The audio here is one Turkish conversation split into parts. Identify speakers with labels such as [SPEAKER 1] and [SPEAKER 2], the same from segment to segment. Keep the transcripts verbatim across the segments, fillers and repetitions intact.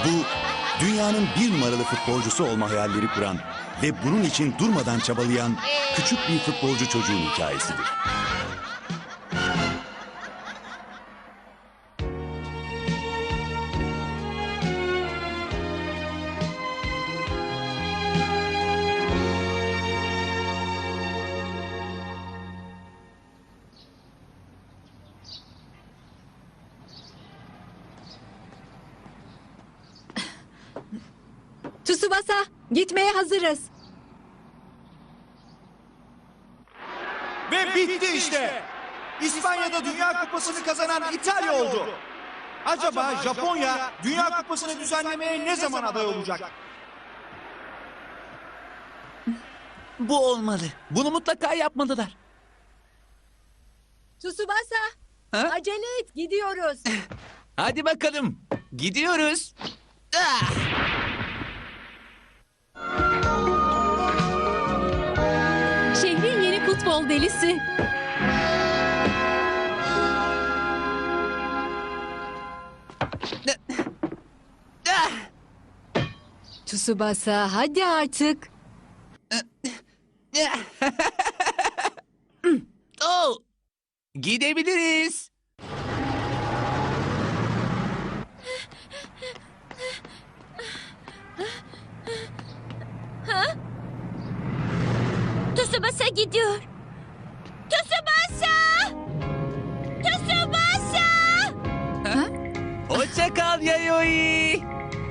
[SPEAKER 1] Bu, dünyanın bir numaralı futbolcusu olma hayalleri kuran ve bunun için durmadan çabalayan küçük bir futbolcu çocuğun hikayesidir.
[SPEAKER 2] Tsubasa, gitmeye hazırız.
[SPEAKER 3] Ve bitti işte. İspanya'da Dünya Kupası'nı kazanan İtalya oldu. Acaba Japonya Dünya Kupası'nı düzenlemeye ne zaman aday olacak?
[SPEAKER 4] Bu olmalı. Bunu mutlaka yapmalılar.
[SPEAKER 2] Tsubasa,
[SPEAKER 4] Ha?
[SPEAKER 2] acele et, gidiyoruz.
[SPEAKER 4] Hadi bakalım. Gidiyoruz. Ah!
[SPEAKER 2] Şehrin yeni futbol delisi.
[SPEAKER 4] Ah!
[SPEAKER 2] Tsubasa, hadi artık.
[SPEAKER 4] Oh! Gidebiliriz.
[SPEAKER 5] Tsubasa gidiyor. Tsubasa! Tsubasa!
[SPEAKER 4] Hoşça kal Yayoi.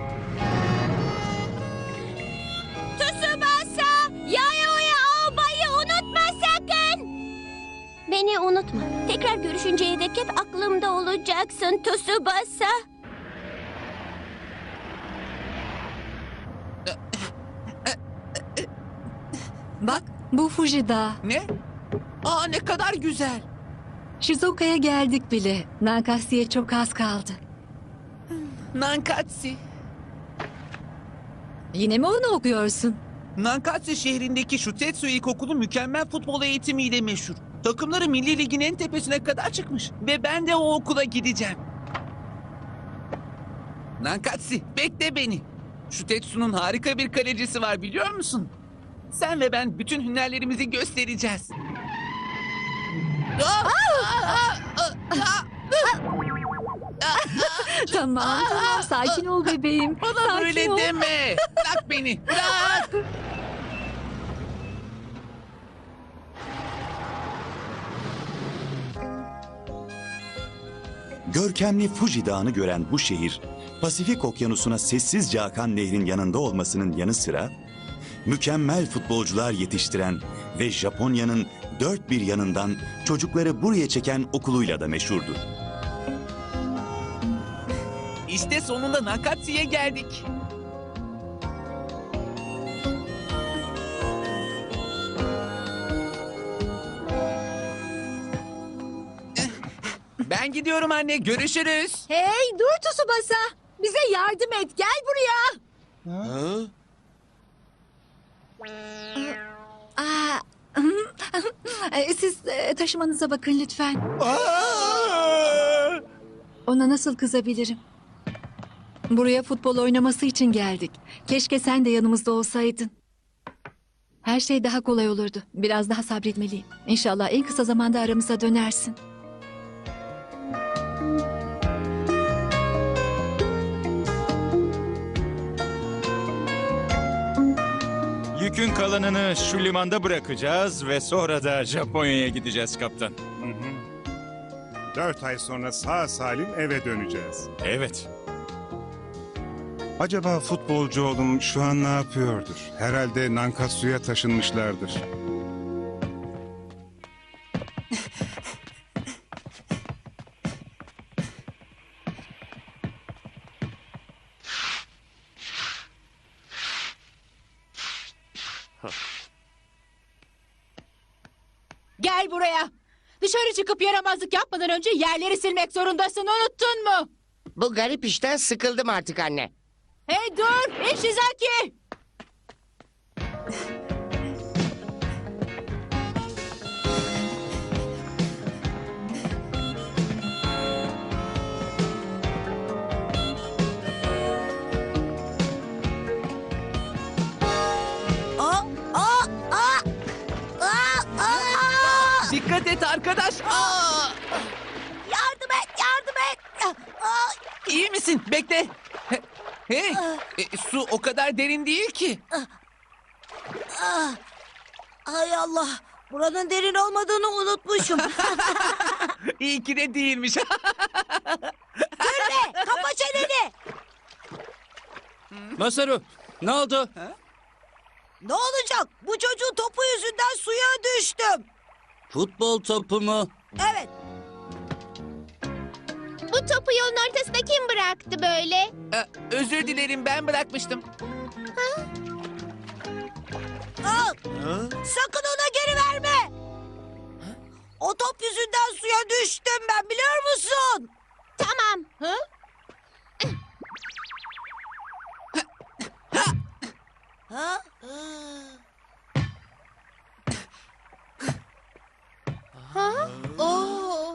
[SPEAKER 5] Tsubasa! Yayoi albayı unutma sakın! Beni unutma. Tekrar görüşünceye dek hep aklımda olacaksın Tsubasa.
[SPEAKER 2] Bak, bu Fuji Dağı.
[SPEAKER 4] Ne? Aa, ne kadar güzel.
[SPEAKER 2] Shizuka'ya geldik bile. Nankatsu'ya çok az kaldı.
[SPEAKER 4] Nankatsu.
[SPEAKER 2] Yine mi onu okuyorsun?
[SPEAKER 4] Nankatsu şehrindeki Shutetsu İlkokulu mükemmel futbol eğitimiyle meşhur. Takımları Milli Lig'in en tepesine kadar çıkmış. Ve ben de o okula gideceğim. Nankatsu, bekle beni. Shutetsu'nun harika bir kalecisi var, biliyor musun? Sen ve ben bütün hünerlerimizi göstereceğiz. Ah! Ah! Ah! Ah!
[SPEAKER 2] Tamam, tamam. Sakin ol bebeğim.
[SPEAKER 4] Bana
[SPEAKER 2] Sakin
[SPEAKER 4] böyle
[SPEAKER 2] ol.
[SPEAKER 4] deme. Bırak beni. Bırak.
[SPEAKER 1] Görkemli Fuji Dağı'nı gören bu şehir, Pasifik Okyanusu'na sessizce akan nehrin yanında olmasının yanı sıra, mükemmel futbolcular yetiştiren ve Japonya'nın dört bir yanından çocukları buraya çeken okuluyla da meşhurdur.
[SPEAKER 4] İşte sonunda Nankatsu'ya geldik. Ben gidiyorum anne. Görüşürüz.
[SPEAKER 2] Hey, dur Tsubasa. Bize yardım et. Gel buraya. Aa, e, siz e, taşımanıza bakın lütfen. Ona nasıl kızabilirim? Buraya futbol oynaması için geldik. Keşke sen de yanımızda olsaydın. Her şey daha kolay olurdu. Biraz daha sabretmeliyim. İnşallah en kısa zamanda aramıza dönersin.
[SPEAKER 6] Yükün kalanını şu limanda bırakacağız ve sonra da Japonya'ya gideceğiz kaptan.
[SPEAKER 7] Dört ay sonra sağ salim eve döneceğiz.
[SPEAKER 6] Evet.
[SPEAKER 7] Acaba futbolcu oğlum şu an ne yapıyordur? Herhalde Nankatsu'ya taşınmışlardır.
[SPEAKER 2] Gel buraya. Dışarı çıkıp yaramazlık yapmadan önce yerleri silmek zorundasın. Unuttun mu?
[SPEAKER 8] Bu garip işten sıkıldım artık anne.
[SPEAKER 2] Hey dur Ishizaki.
[SPEAKER 4] et arkadaş. Aa!
[SPEAKER 5] Yardım et, yardım et. Aa,
[SPEAKER 4] İyi misin? Bekle. He- Hey, e, su o kadar derin değil ki.
[SPEAKER 5] aa. Hay Allah, buranın derin olmadığını unutmuşum.
[SPEAKER 4] İyi ki de değilmiş.
[SPEAKER 5] Gülme, kapa çeneni.
[SPEAKER 9] Masaru, ne oldu?
[SPEAKER 5] Ne olacak? Bu çocuğun topu yüzünden suya düştüm.
[SPEAKER 9] Futbol topu mu?
[SPEAKER 5] Evet.
[SPEAKER 10] Bu topu yolun ortasına kim bıraktı böyle?
[SPEAKER 4] E, Özür dilerim, ben bırakmıştım.
[SPEAKER 5] Al. Sakın ona geri verme. O top yüzünden suya düştüm ben, biliyor musun?
[SPEAKER 10] Tamam. Hı?
[SPEAKER 5] Ha?
[SPEAKER 10] Ha? Oo.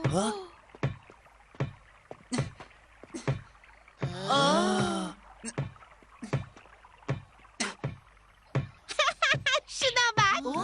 [SPEAKER 10] Şuna bak.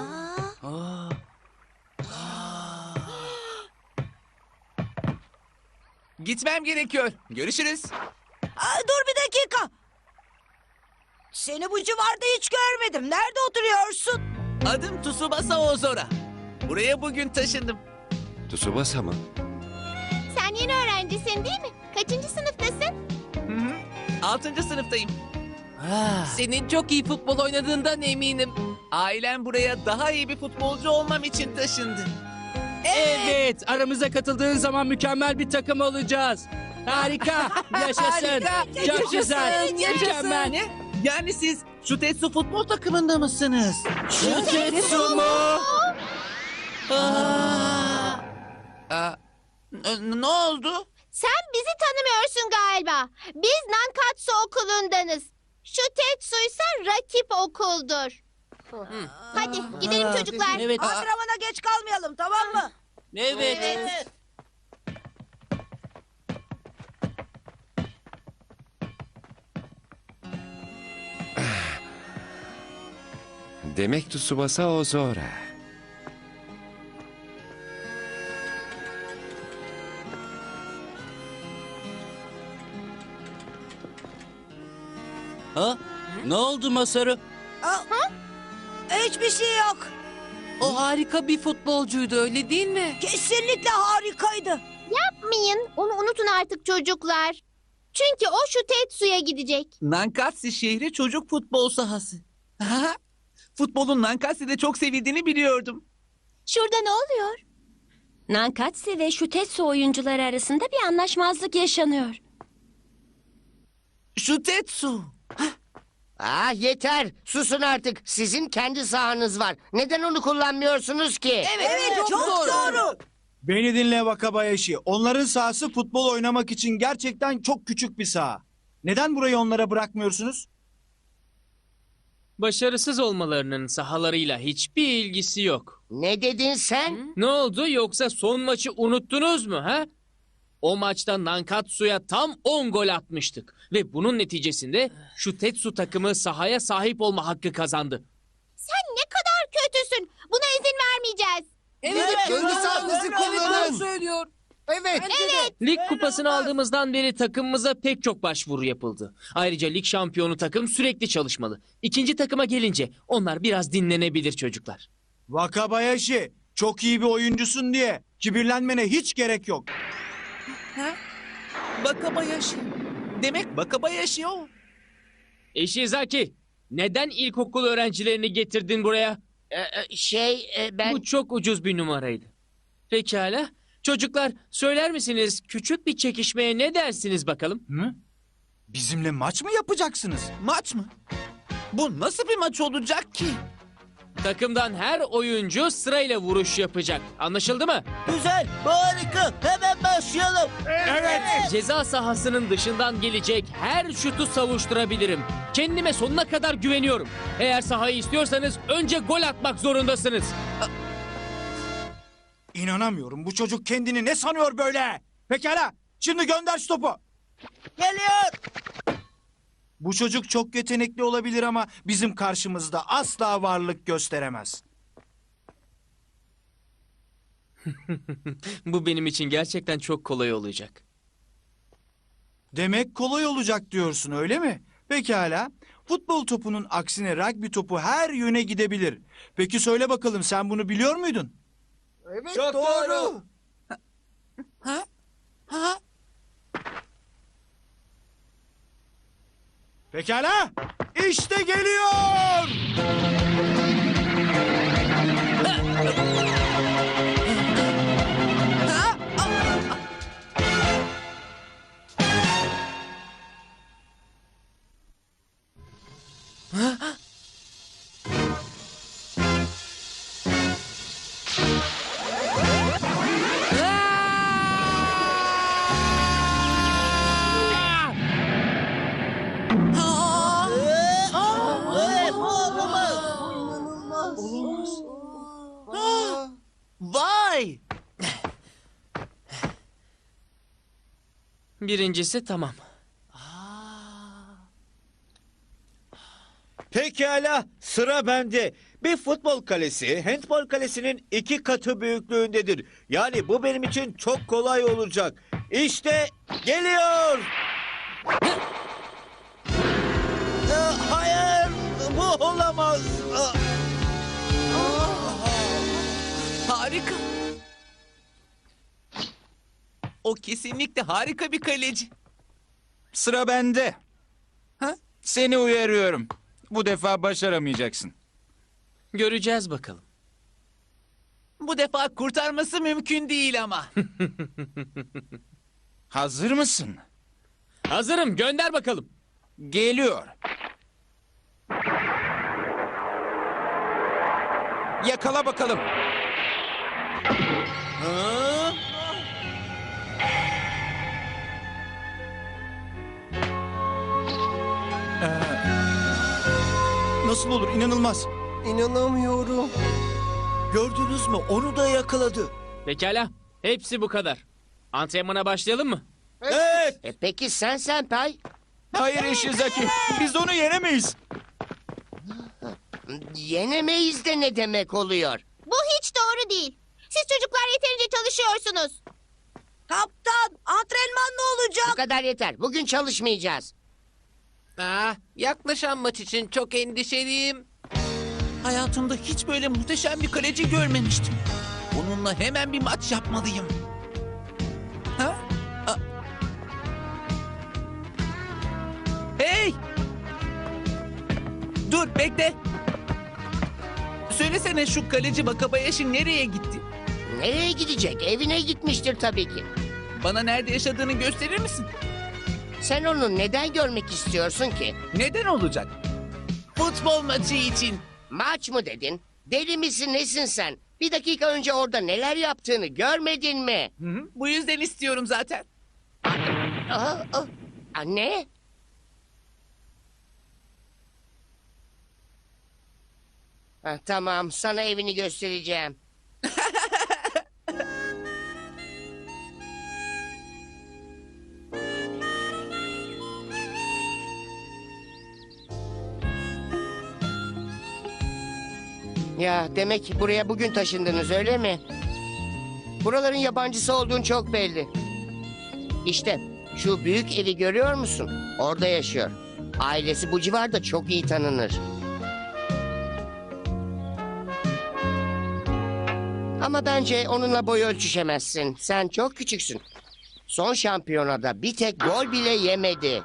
[SPEAKER 4] Gitmem gerekiyor. Görüşürüz.
[SPEAKER 5] Aa, dur bir dakika. Seni bu civarda hiç görmedim. Nerede oturuyorsun?
[SPEAKER 4] Adım Tsubasa Ozora. Buraya bugün taşındım.
[SPEAKER 11] Tsubasa mı?
[SPEAKER 10] Sen yeni öğrencisin değil mi? Kaçıncı sınıftasın?
[SPEAKER 4] Hı hı. Altıncı sınıftayım.
[SPEAKER 12] Senin çok iyi futbol oynadığından eminim.
[SPEAKER 4] Ailem buraya daha iyi bir futbolcu olmam için taşındı.
[SPEAKER 9] Evet, aramıza katıldığın zaman mükemmel bir takım olacağız. Harika, yaşasın.
[SPEAKER 4] Harika,
[SPEAKER 9] Çok güzel, mükemmel.
[SPEAKER 4] Ne? Yani siz Şutetsu futbol takımında mısınız?
[SPEAKER 9] Şutetsu mu?
[SPEAKER 4] Aa, n- ne oldu?
[SPEAKER 10] Sen bizi tanımıyorsun galiba. Biz Nankatsu okulundanız. Şu Tetsu ise rakip okuldur. Hadi gidelim çocuklar.
[SPEAKER 9] Evet,
[SPEAKER 5] Antrenmana geç kalmayalım, tamam mı?
[SPEAKER 9] evet.
[SPEAKER 11] Demek Tsubasa Ozora.
[SPEAKER 9] Ha? Ne oldu Masaru?
[SPEAKER 5] Aa, hiçbir şey yok.
[SPEAKER 12] O harika bir futbolcuydu öyle değil mi?
[SPEAKER 5] Kesinlikle harikaydı.
[SPEAKER 10] Yapmayın. Onu unutun artık çocuklar. Çünkü o şu Tetsu'ya gidecek.
[SPEAKER 4] Nankatsu şehri çocuk futbol sahası. Aha, futbolun Nankatsu'da çok sevildiğini biliyordum.
[SPEAKER 10] Şurada ne oluyor?
[SPEAKER 5] Nankatsu ve Şutetsu oyuncuları arasında bir anlaşmazlık yaşanıyor.
[SPEAKER 4] Şutetsu.
[SPEAKER 8] Ah yeter. Susun artık. Sizin kendi sahanız var. Neden onu kullanmıyorsunuz ki?
[SPEAKER 5] Evet, çok, doğru.
[SPEAKER 3] Beni dinle Wakabayashi. Onların sahası futbol oynamak için gerçekten çok küçük bir saha. Neden burayı onlara bırakmıyorsunuz?
[SPEAKER 12] Başarısız olmalarının sahalarıyla hiçbir ilgisi yok.
[SPEAKER 8] Ne dedin sen?
[SPEAKER 12] Ne oldu yoksa son maçı unuttunuz mu ha? O maçta Nankatsu'ya tam on gol atmıştık. Ve bunun neticesinde şu Tetsu takımı sahaya sahip olma hakkı kazandı.
[SPEAKER 10] Sen ne kadar kötüsün. Buna izin vermeyeceğiz.
[SPEAKER 8] Evet, kendi sahanızı kullanın.
[SPEAKER 12] söylüyor.
[SPEAKER 8] Evet.
[SPEAKER 12] Lig kupasını aldığımızdan beri takımımıza pek çok başvuru yapıldı. Ayrıca lig şampiyonu takım sürekli çalışmalı. İkinci takıma gelince onlar biraz dinlenebilir çocuklar.
[SPEAKER 3] Wakabayashi, çok iyi bir oyuncusun diye kibirlenmene hiç gerek yok.
[SPEAKER 4] Wakabayashi. Demek Wakabayashi o.
[SPEAKER 12] Ishizaki, neden ilkokul öğrencilerini getirdin buraya?
[SPEAKER 8] Ee, şey e, ben...
[SPEAKER 12] Bu çok ucuz bir numaraydı. Pekala. Çocuklar söyler misiniz küçük bir çekişmeye ne dersiniz bakalım?
[SPEAKER 3] Hı? Bizimle maç mı yapacaksınız?
[SPEAKER 4] Maç mı? Bu nasıl bir maç olacak ki?
[SPEAKER 12] Takımdan her oyuncu sırayla vuruş yapacak. Anlaşıldı mı?
[SPEAKER 4] Güzel, harika. Hemen başlayalım.
[SPEAKER 12] Ceza sahasının dışından gelecek her şutu savuşturabilirim. Kendime sonuna kadar güveniyorum. Eğer sahayı istiyorsanız önce gol atmak zorundasınız.
[SPEAKER 3] İnanamıyorum. Bu çocuk kendini ne sanıyor böyle? Pekala. Şimdi gönder şu topu.
[SPEAKER 5] Geliyor.
[SPEAKER 3] Bu çocuk çok yetenekli olabilir ama bizim karşımızda asla varlık gösteremez.
[SPEAKER 12] Bu benim için gerçekten çok kolay olacak.
[SPEAKER 3] Demek kolay olacak diyorsun öyle mi? Pekala. Futbol topunun aksine rugby topu her yöne gidebilir. Peki söyle bakalım sen bunu biliyor muydun?
[SPEAKER 8] Evet
[SPEAKER 4] Çok doğru.
[SPEAKER 12] Ha? Ha?
[SPEAKER 3] Pekala. İşte geliyor.
[SPEAKER 4] Vay!
[SPEAKER 12] Birincisi tamam.
[SPEAKER 13] Pekala, sıra bende. Bir futbol kalesi, handbol kalesinin iki katı büyüklüğündedir. Yani bu benim için çok kolay olacak. İşte geliyor. Aa, hayır, bu olamaz. Aa,
[SPEAKER 4] Harika. O kesinlikle harika bir kaleci.
[SPEAKER 6] Sıra bende. Ha? Seni uyarıyorum. Bu defa başaramayacaksın.
[SPEAKER 12] Göreceğiz bakalım.
[SPEAKER 4] Bu defa kurtarması mümkün değil ama.
[SPEAKER 6] Hazır mısın?
[SPEAKER 12] Hazırım, gönder bakalım.
[SPEAKER 6] Geliyor. Yakala bakalım.
[SPEAKER 4] Ha?
[SPEAKER 3] Nasıl olur inanılmaz.
[SPEAKER 13] İnanamıyorum. Gördünüz mü? Onu da yakaladı.
[SPEAKER 12] Pekala, hepsi bu kadar. Antrenmana başlayalım mı?
[SPEAKER 13] Evet.
[SPEAKER 8] E peki sen Senpai?
[SPEAKER 6] Hayır Ishizaki. Biz onu yenemeyiz.
[SPEAKER 8] Yenemeyiz de ne demek oluyor?
[SPEAKER 10] Bu hiç doğru değil. Siz çocuklar yeterince çalışıyorsunuz.
[SPEAKER 5] Kaptan, antrenman ne olacak?
[SPEAKER 8] Bu kadar yeter. Bugün çalışmayacağız.
[SPEAKER 4] Ah, yaklaşan maç için çok endişeliyim. Hayatımda hiç böyle muhteşem bir kaleci görmemiştim. Onunla hemen bir maç yapmalıyım. Ha? A- Hey! Dur, bekle. Söylesene şu kaleci Wakabayashi nereye gitti?
[SPEAKER 8] Nereye gidecek? Evine gitmiştir tabii ki.
[SPEAKER 4] Bana nerede yaşadığını gösterir misin?
[SPEAKER 8] Sen onu neden görmek istiyorsun ki?
[SPEAKER 4] Neden olacak? Futbol maçı için.
[SPEAKER 8] Maç mı dedin? Deli misin nesin sen? Bir dakika önce orada neler yaptığını görmedin mi?
[SPEAKER 4] Hı hı, bu yüzden istiyorum zaten.
[SPEAKER 8] Aa, aa. Anne? Ha, tamam, sana evini göstereceğim. Ya demek buraya bugün taşındınız öyle mi? Buraların yabancısı olduğun çok belli. İşte şu büyük evi görüyor musun? Orada yaşıyor. Ailesi bu civarda çok iyi tanınır. Ama bence onunla boy ölçüşemezsin. Sen çok küçüksün. Son şampiyonada bir tek gol bile yemedi.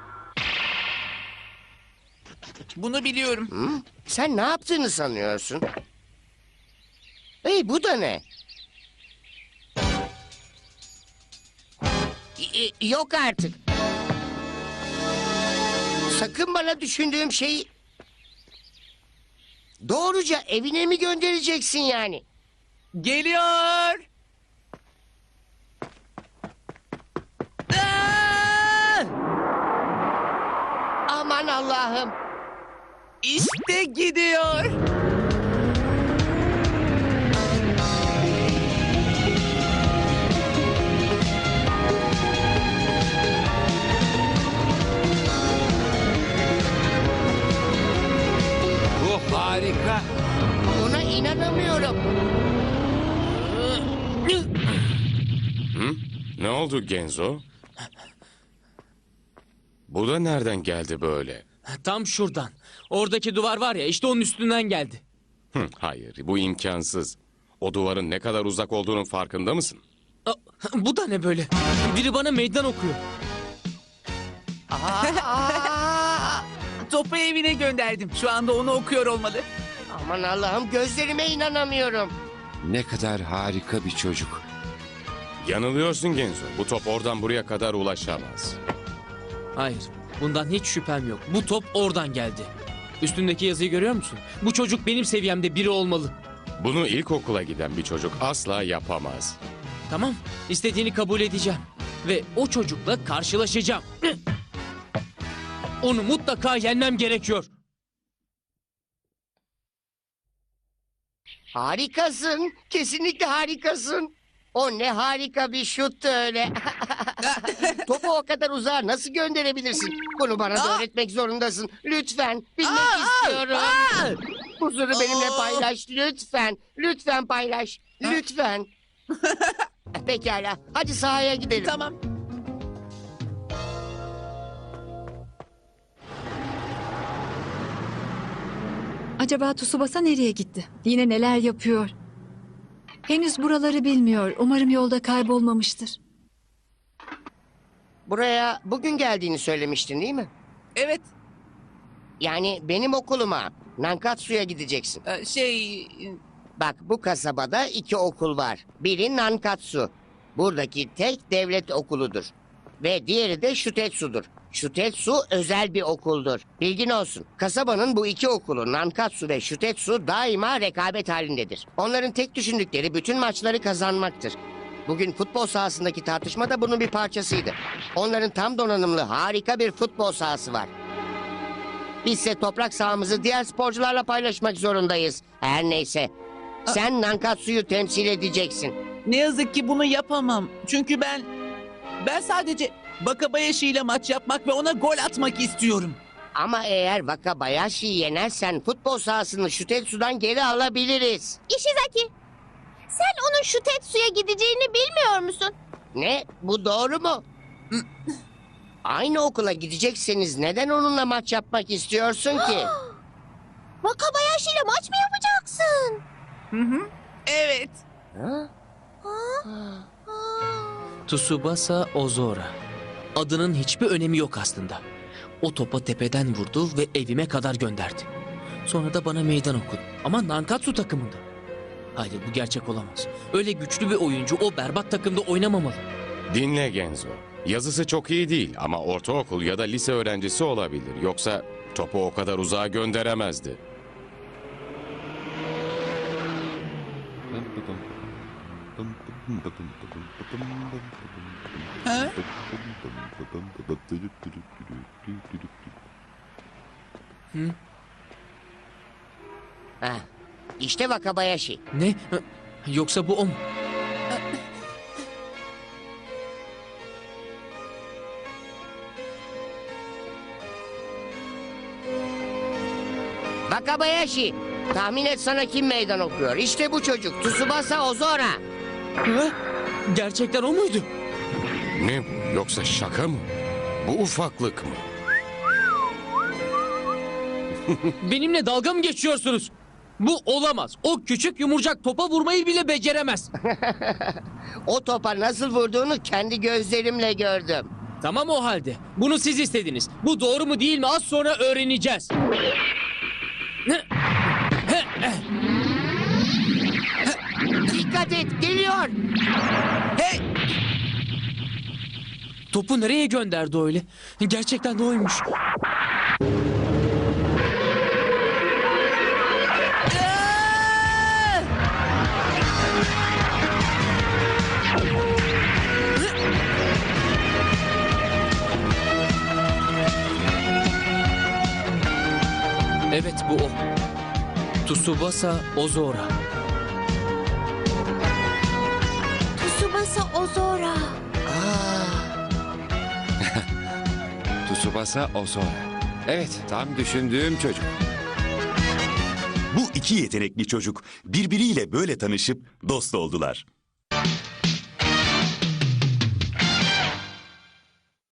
[SPEAKER 4] Bunu biliyorum.
[SPEAKER 8] Hı? Sen ne yaptığını sanıyorsun? Hey, bu da ne? Y- y- Yok artık. Sakın bana düşündüğüm şeyi... Doğruca evine mi göndereceksin yani?
[SPEAKER 4] Geliyor. Aa!
[SPEAKER 8] Aman Allah'ım.
[SPEAKER 4] İşte gidiyor.
[SPEAKER 6] Bu harika.
[SPEAKER 8] Buna inanamıyorum.
[SPEAKER 11] oldu Genzo? Bu da nereden geldi böyle?
[SPEAKER 12] Tam şuradan. Oradaki duvar var ya, işte onun üstünden geldi.
[SPEAKER 11] Hı, hayır, bu imkansız. O duvarın ne kadar uzak olduğunun farkında mısın?
[SPEAKER 12] Aa, bu da ne böyle? Biri bana meydan okuyor.
[SPEAKER 4] Topu evine gönderdim. Şu anda onu okuyor olmalı.
[SPEAKER 8] Aman Allah'ım, gözlerime inanamıyorum.
[SPEAKER 11] Ne kadar harika bir çocuk. Yanılıyorsun Genzo. Bu top oradan buraya kadar ulaşamaz.
[SPEAKER 12] Hayır, bundan hiç şüphem yok. Bu top oradan geldi. Üstündeki yazıyı görüyor musun? Bu çocuk benim seviyemde biri olmalı.
[SPEAKER 11] Bunu ilkokula giden bir çocuk asla yapamaz.
[SPEAKER 12] Tamam, istediğini kabul edeceğim. Ve o çocukla karşılaşacağım. Onu mutlaka yenmem gerekiyor.
[SPEAKER 8] Harikasın. Kesinlikle harikasın. O ne harika bir şuttu öyle. Topu o kadar uzağa nasıl gönderebilirsin? Bunu bana da öğretmek zorundasın. Lütfen. Bilmek istiyorum. Huzuru benimle paylaş. Lütfen. Lütfen paylaş. Lütfen. Pekala. Hadi sahaya gidelim.
[SPEAKER 4] Tamam.
[SPEAKER 2] Acaba Tsubasa nereye gitti? Yine neler yapıyor? Henüz buraları bilmiyor. Umarım yolda kaybolmamıştır.
[SPEAKER 8] Buraya bugün geldiğini söylemiştin değil mi?
[SPEAKER 4] Evet.
[SPEAKER 8] Yani benim okuluma, Nankatsu'ya gideceksin.
[SPEAKER 4] e, Şey...
[SPEAKER 8] Bak, bu kasabada iki okul var. Biri Nankatsu. Buradaki tek devlet okuludur. Ve diğeri de Shutetsu'dur. Shutetsu özel bir okuldur. Bilgin olsun. Kasabanın bu iki okulu, Nankatsu ve Shutetsu, daima rekabet halindedir. Onların tek düşündükleri bütün maçları kazanmaktır. Bugün futbol sahasındaki tartışma da bunun bir parçasıydı. Onların tam donanımlı harika bir futbol sahası var. Bizse toprak sahamızı diğer sporcularla paylaşmak zorundayız. Her neyse. Sen Nankatsu'yu temsil edeceksin.
[SPEAKER 4] Ne yazık ki bunu yapamam. Çünkü ben... Ben sadece Wakabayashi ile maç yapmak ve ona gol atmak istiyorum.
[SPEAKER 8] Ama eğer Wakabayashi'yi yenersen futbol sahasını Shutetsu'dan geri alabiliriz.
[SPEAKER 10] Ishizaki, sen onun Shutetsu'ya gideceğini bilmiyor musun?
[SPEAKER 8] Ne? Bu doğru mu? Aynı okula gidecekseniz neden onunla maç yapmak istiyorsun ki?
[SPEAKER 10] Wakabayashi ile maç mı yapacaksın?
[SPEAKER 4] Hı hı. Evet.
[SPEAKER 8] Ha?
[SPEAKER 12] Tsubasa Ozora. Adının hiçbir önemi yok aslında. O topa tepeden vurdu ve evime kadar gönderdi. Sonra da bana meydan okudu. Ama Nankatsu takımında. Hayır, bu gerçek olamaz. Öyle güçlü bir oyuncu o berbat takımda oynamamalı.
[SPEAKER 11] Dinle Genzo. Yazısı çok iyi değil ama ortaokul ya da lise öğrencisi olabilir. Yoksa topu o kadar uzağa gönderemezdi.
[SPEAKER 4] Ha?
[SPEAKER 12] Hı?
[SPEAKER 8] Ah, işte Wakabayashi.
[SPEAKER 12] Ne? Yoksa bu o mu?
[SPEAKER 8] Wakabayashi. Tahmin et, sana kim meydan okuyor? İşte bu çocuk. Tsubasa Ozora.
[SPEAKER 12] Hı? Gerçekten o muydu?
[SPEAKER 11] Ne bu? Yoksa şaka mı? Bu ufaklık mı?
[SPEAKER 12] Benimle dalga mı geçiyorsunuz? Bu olamaz. O küçük yumurcak topa vurmayı bile beceremez.
[SPEAKER 8] O topa nasıl vurduğunu kendi gözlerimle gördüm.
[SPEAKER 12] Tamam o halde. Bunu siz istediniz. Bu doğru mu değil mi az sonra öğreneceğiz.
[SPEAKER 8] Dikkat et, geliyor.
[SPEAKER 4] Hey!
[SPEAKER 12] Topu nereye gönderdi öyle? Gerçekten de oymuş. Evet, bu o. Tsubasa Ozora.
[SPEAKER 10] Tsubasa Ozora.
[SPEAKER 11] Tsubasa Ozora. Evet, tam düşündüğüm çocuk.
[SPEAKER 1] Bu iki yetenekli çocuk birbiriyle böyle tanışıp dost oldular.